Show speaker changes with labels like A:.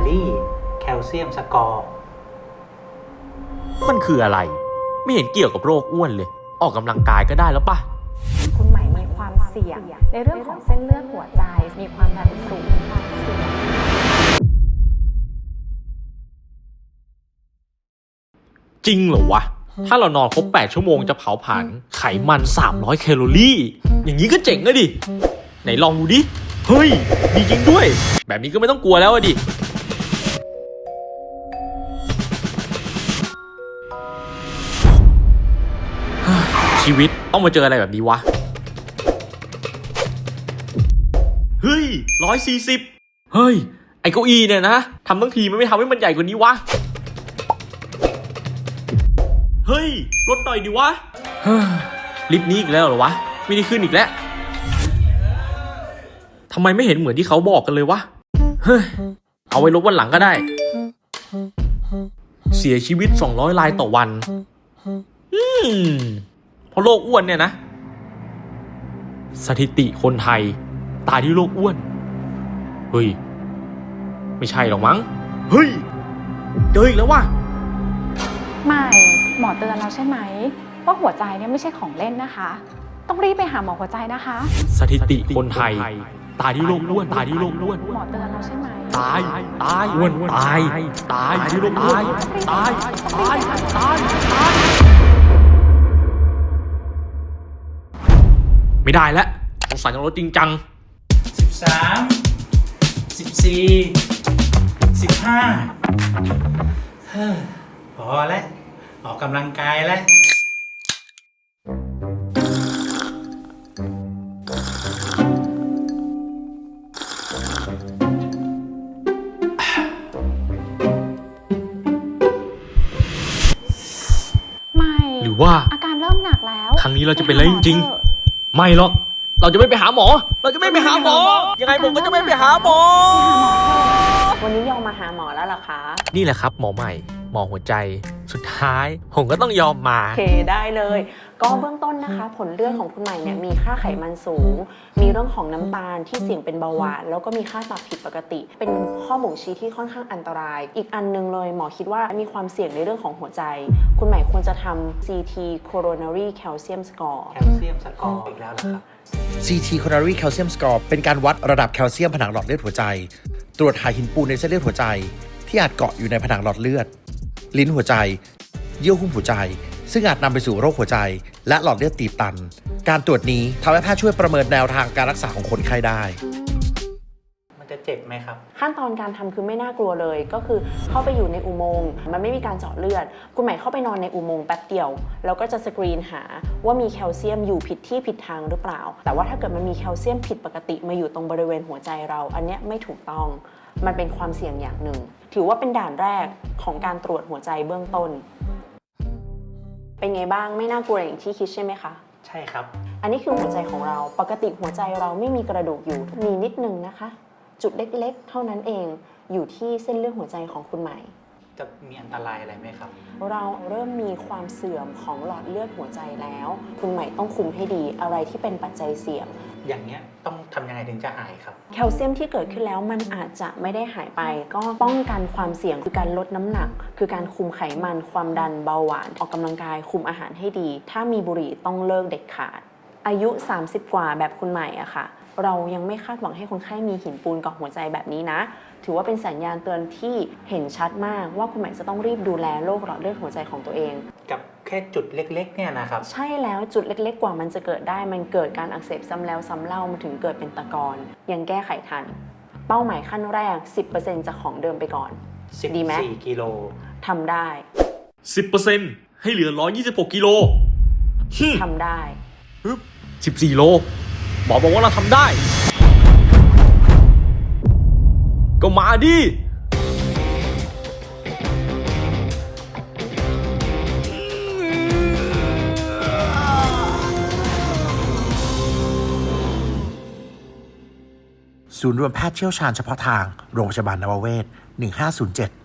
A: รี่แคลเซียมสกอร์
B: มันคืออะไรไม่เห็นเกี่ยวกับโรคอ้วนเลยออกกำลังกายก็ได้แล้วป่ะ
C: คุณใหม่มีความเสี่ยงในเรื่องของเส้นเลือดหัวใจมีความดันสูง
B: จริงเหรอวะถ้าเรานอนครบ8 ชั่วโมงจะเผาผลาญไขมัน300 แคลอรี่อย่างนี้ก็เจ๋งอะดิไหนลองดูดิเฮ้ยดีจริงด้วยแบบนี้ก็ไม่ต้องกลัวแล้วอะดิชีวิตต้องมาเจออะไรแบบนี้วะเฮ้ย140เฮ้ยไอ้เก้าอี้เนี่ยนะทำทั้งทีมันไม่ทำให้มันใหญ่กว่านี้วะเฮ้ยลดหน่อยดิวะลิฟต์นี้อีกแล้วเหรอวะไม่ได้ขึ้นอีกแล้วทำไมไม่เห็นเหมือนที่เขาบอกกันเลยวะเฮ้ยเอาไว้ลบวันหลังก็ได้เสียชีวิต200 รายต่อวันเพราะโรคอ้วนเนี่ยนะสถิติคนไทยตายที่โรคอ้วนเฮ้ยไม่ใช่หรอกมั้งเฮ้ยเจออีกแล้วว่ะ
C: ไม่หมอเตือนเราใช่ไหมว่าหัวใจเนี่ยไม่ใช่ของเล่นนะคะต้องรีบไปหาหมอหัวใจนะคะ
B: สถิติคนไทยตายที่โรคอ้วนตายที่โรคอ้วน
C: หมอเตือนเราใช่ไหม
B: ตายอ้วนตายที่โรคอ้วนตายไม่ได้แล้วสงสัยต้องลดจริงจัง
A: 13 14 15พอแล้วออกกำลังกายแล้ว
C: ไม่
B: หรือว่า
C: อาการเริ่มหนักแล้ว
B: ครั้งนี้เราจะเป็นอะไรจริงๆไม่หรอกเราจะไม่ไปหาหมอยังไงผมก็จะไม่ไปหาหมอ
C: วันนี้ยอมมาหาหมอแล้วเหรอคะ
B: นี่แหละครับหมอใหม่หมอหัวใจสุดท้ายผมก็ต้องยอมมา
C: โอเคได้เลยก็เบื้องต้นนะคะผลเลือดของคุณใหม่เนี่ยมีค่าไขมันสูงมีเรื่องของน้ำตาลที่เสี่ยงเป็นเบาหวานแล้วก็มีค่าตับผิดปกติเป็นข้อบ่งชี้ที่ค่อนข้างอันตรายอีกอันนึงเลยหมอคิดว่ามีความเสี่ยงในเรื่องของหัวใจคุณใหม่ควรจะทำ CT coronary calcium score
A: แคลเซียมสกอร์อีกแล้วนะครับ
D: CT coronary calcium score เป็นการวัดระดับแคลเซียมผนังหลอดเลือดหัวใจ ตรวจหาหินปูนในเส้นเลือดหัวใจที่อาจเกาะอยู่ในผนังหลอดเลือดลิ้นหัวใจเยื่อหุ้มหัวใจซึ่งอาจนำไปสู่โรคหัวใจและหลอดเลือดตีบตันการตรวจนี้ทำให้แพทย์ช่วยประเมินแนวทางการรักษาของคนไข้ได้
A: มันจะเจ็บไหมครับ
C: ขั้นตอนการทำคือไม่น่ากลัวเลยก็คือเข้าไปอยู่ในอุโมงค์มันไม่มีการเจาะเลือดคุณใหม่เข้าไปนอนในอุโมงค์แป๊บเดียวแล้วก็จะสกรีนหาว่ามีแคลเซียมอยู่ผิดที่ผิดทางหรือเปล่าแต่ว่าถ้าเกิดมันมีแคลเซียมผิดปกติมาอยู่ตรงบริเวณหัวใจเราอันนี้ไม่ถูกต้องมันเป็นความเสี่ยงอย่างหนึ่งถือว่าเป็นด่านแรกของการตรวจหัวใจเบื้องต้นเป็นไงบ้างไม่น่ากลัวอย่างที่คิดใช่ไหมคะ
A: ใช่ครับ
C: อันนี้คือหัวใจของเราปกติหัวใจเราไม่มีกระดูกอยู่มีนิดนึงนะคะจุดเล็กๆเท่านั้นเองอยู่ที่เส้นเลือดหัวใจของคุณใหม่
A: จะมีอันตรายอะไรไหมครับ
C: เราเริ่มมีความเสื่อมของหลอดเลือดหัวใจแล้วคุณใหม่ต้องคุมให้ดีอะไรที่เป็นปัจจัยเสี่ยง
A: อย่างเนี้ยต้องทำยังไงถึงจะหายครับ
C: แคลเซียมที่เกิดขึ้นแล้วมันอาจจะไม่ได้หายไปก็ป้องกันความเสี่ยงคือการลดน้ำหนักคือการคุมไขมันความดันเบาหวานออกกำลังกายคุมอาหารให้ดีถ้ามีบุหรี่ต้องเลิกเด็ดขาดอายุ30กว่าแบบคุณใหม่อะค่ะเรายังไม่คาดหวังให้คนไข้มีหินปูนเกาะหัวใจแบบนี้นะถือว่าเป็นสัญญาณเตือนที่เห็นชัดมากว่าคุณใหม่จะต้องรีบดูแลโรคหลอดเลือดหัวใจของตัวเอง
A: กับแค่จุดเล็กๆเนี่ยนะครับ
C: ใช่แล้วจุดเล็กๆกว่ามันจะเกิดได้มันเกิดการอักเสบซ้ำแล้วซ้ำเล่ามันถึงเกิดเป็นตะกอนยังแก้ไขทันเป้าหมายขั้นแรก 10% จากของเดิมไปก่อนดีไหม
A: 14 กิโล
C: ทำได้
B: 10% ให้เหลือ126 กิโล
C: ทำได้
B: 14 โลหมอบอกว่าเราทำได้ก็มาดิ
D: ศูนย์รวมแพทย์เชี่ยวชาญเฉพาะทางโรงพยาบาลนวเวศ1507